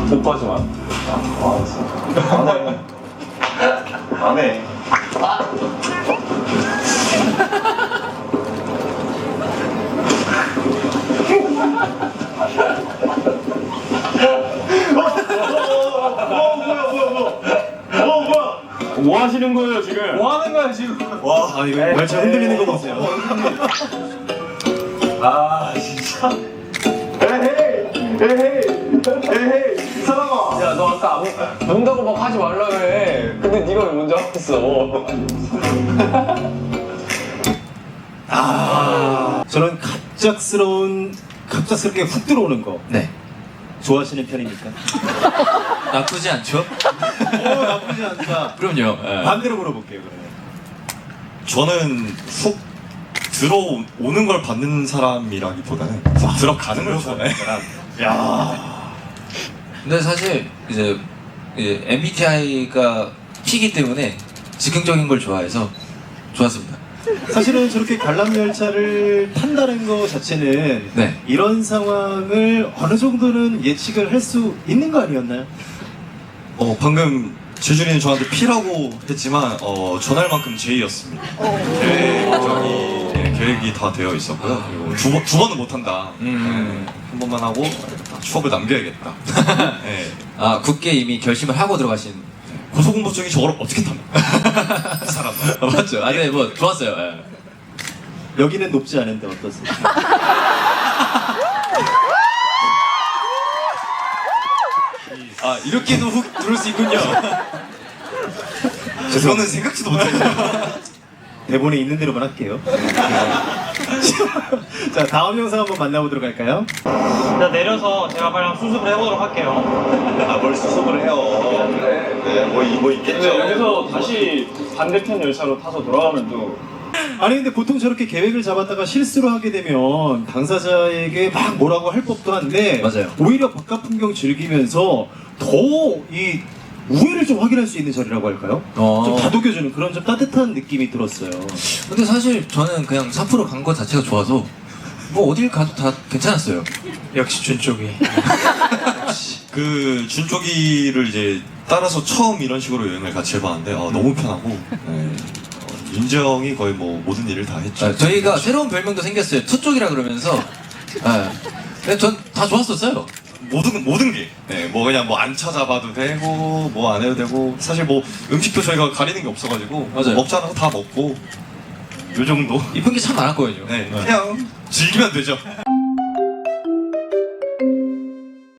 오빠지 마. 안 해. 뭐 하시는 거예요 지금? 뭐 하는 거야 지금? 와, 이거 열차 흔들리는 거 보세요. 아 진짜. 에헤이 이 사람아. 야 너 아까 논다고 막 하지 말라 그래. 근데 네가 왜 먼저 하고 있어? 저는 갑작스럽게 훅 들어오는 거 네. 좋아하시는 편입니까? 나쁘지 않죠? 나쁘지 않다. 그럼요. 예. 반대로 물어볼게요, 그러면. 저는 훅 들어오는 걸 받는 사람이라기보다는 훅 들어가는 걸 좋아해. 야, 근데 사실 이제 MBTI가 T이기 때문에 즉흥적인 걸 좋아해서 좋았습니다. 사실은 저렇게 관람 열차를 탄다는 거 자체는 네. 이런 상황을 어느 정도는 예측을 할 수 있는 거 아니었나요? 방금 재준이는 저한테 P라고 했지만 전날만큼 J였습니다. 계획이 다 되어 있었고요. 그리고 두 번은 못 한다. 한 번만 하고 추억을 남겨야겠다. 네. 아, 굳게 이미 결심을 하고 들어가신. 고소공포증이 저걸 어떻게 탑니까? 이 사람. 맞죠? 아, 네, 뭐 좋았어요. 예. 여기는 높지 않은데 어떠세요? 아, 이렇게도 훅 들을 수 있군요. 저는 생각지도 못했어요. 대본에 있는 대로만 할게요. 자, 다음 영상 한번 만나보도록 할까요? 자 내려서 제가 빨리 수습을 해보도록 할게요. 뭘 수습을 해요. 네, 뭐 있겠죠. 여기서 다시 반대편 열차로 타서 돌아가면 또. 아니 근데 보통 저렇게 계획을 잡았다가 실수를 하게 되면 당사자에게 막 뭐라고 할 법도 한데 맞아요. 오히려 바깥 풍경 즐기면서 더 이 우애를 좀 확인할 수 있는 자리라고 할까요? 좀 다독여주는 그런 좀 따뜻한 느낌이 들었어요. 근데 사실 저는 그냥 4% 간 거 자체가 좋아서 뭐 어딜 가도 다 괜찮았어요. 역시 준 쪽이. 그 준쪽이를 이제 따라서 처음 이런 식으로 여행을 같이 해봤는데 너무 편하고 윤정이 거의 뭐 모든 일을 다 했죠. 아, 저희가 새로운 별명도 생겼어요. 투쪽이라 그러면서. 근데 전 다 좋았었어요. 모든 게 뭐 그냥 뭐 안 찾아봐도 되고 뭐 안 해도 되고 사실 뭐 음식도 저희가 가리는 게 없어가지고 맞아요. 먹자는 거 다 먹고 요 정도. 이쁜 게 참 많았거든요. 그냥 즐기면 되죠.